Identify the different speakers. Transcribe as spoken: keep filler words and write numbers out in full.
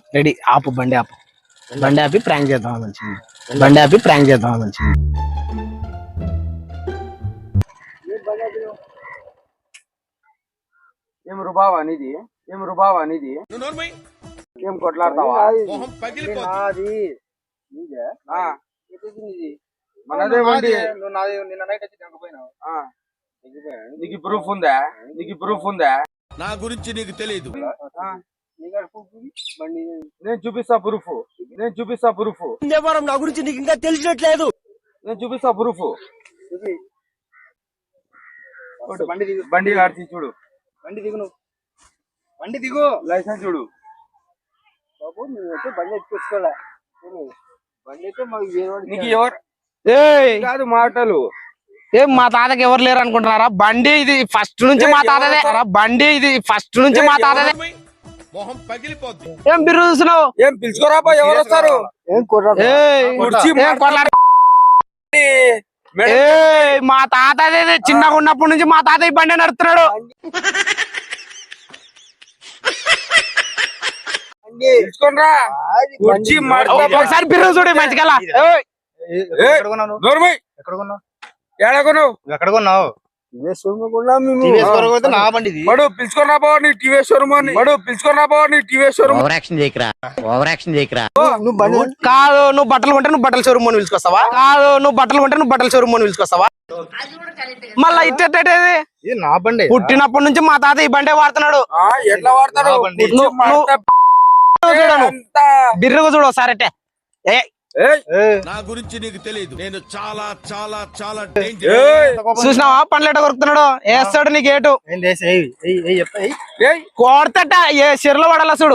Speaker 1: ready ఆపు బండి ఆపు బండి ఆపి ప్రాంక్ చేద్దాం మంచిది బండి ఆపి ప్రాంక్ చేద్దాం మంచిది
Speaker 2: ఏం రుబావా నీది ఏం రుబావా నీది ఏం కొట్లాడతావా మనదే బండి నీకు ప్రూఫ్ ఉందా నీకు ప్రూఫ్ ఉందా
Speaker 3: నా గురించి నీకు తెలియదు
Speaker 2: నేను చూపిస్తా ప్రూఫ్ నేను చూపిస్తా ప్రూఫ్
Speaker 3: నా గురించి నీకు ఇంకా తెలిసినట్లేదు
Speaker 2: నేను చూపిస్తా ప్రూఫ్ బండి దిగు బండి ఆర్చి చూడు బండి దిగు నువ్వు బండి దిగు లైసెన్స్ చూడు బాబు నువ్వైతే బండి ఎత్తుకోలే బండి అయితే మాకు నీకు ఎవరు కాదు మాటలు
Speaker 1: ఏం మా తాతకి ఎవరు లేరు అనుకుంటున్నారా బండి ఇది ఫస్ట్ నుంచి మా తాతదే బండి ఇది ఫస్ట్ నుంచి మా తాతదే
Speaker 3: మొహం పగిలిపోద్ది
Speaker 1: ఏం బిర్రు చూస్తున్నావు
Speaker 2: ఏం పిలుచుకోరా ఎవరు వస్తారు
Speaker 1: మా తాత అదే చిన్నగా ఉన్నప్పటి నుంచి మా తాత ఈ బండి నడుపుతున్నాడు ఒకసారి బిర్రు చూడు మంచిగా
Speaker 2: ఎక్కడ కొన్నావు పిలుచుకున్నా బావ నీ టీవీ షోరూమ్ అని పిలుచుకున్నా బావ నీ టీవీ షోరూమ్
Speaker 1: కాదు నువ్వు బట్టలు కొంటే నువ్వు బట్టల షోరూమ్ అని పిలుచుకొస్తావా కాదు నువ్వు బట్టలు కొంటే నువ్వు బట్టల షోరూమ్ అని పిలుచుకొస్తావా మళ్ళా ఇట్టేది
Speaker 2: నా బండి
Speaker 1: పుట్టినప్పటి నుంచి మా తాత ఈ బండే వాడుతున్నాడు
Speaker 2: ఎట్లా వాడతాడు
Speaker 1: బిర్రుగా చూడు ఒకసారి అంటే
Speaker 3: నా గురించి నీకు తెలియదు నేను చాలా చాలా చాలా
Speaker 1: చూసినావా పండ్లు ఎట్ట కొరుకుతున్నాడు వేస్తాడు నీకు ఏటు కొడతట ఏ చెరులో పడాల చూడు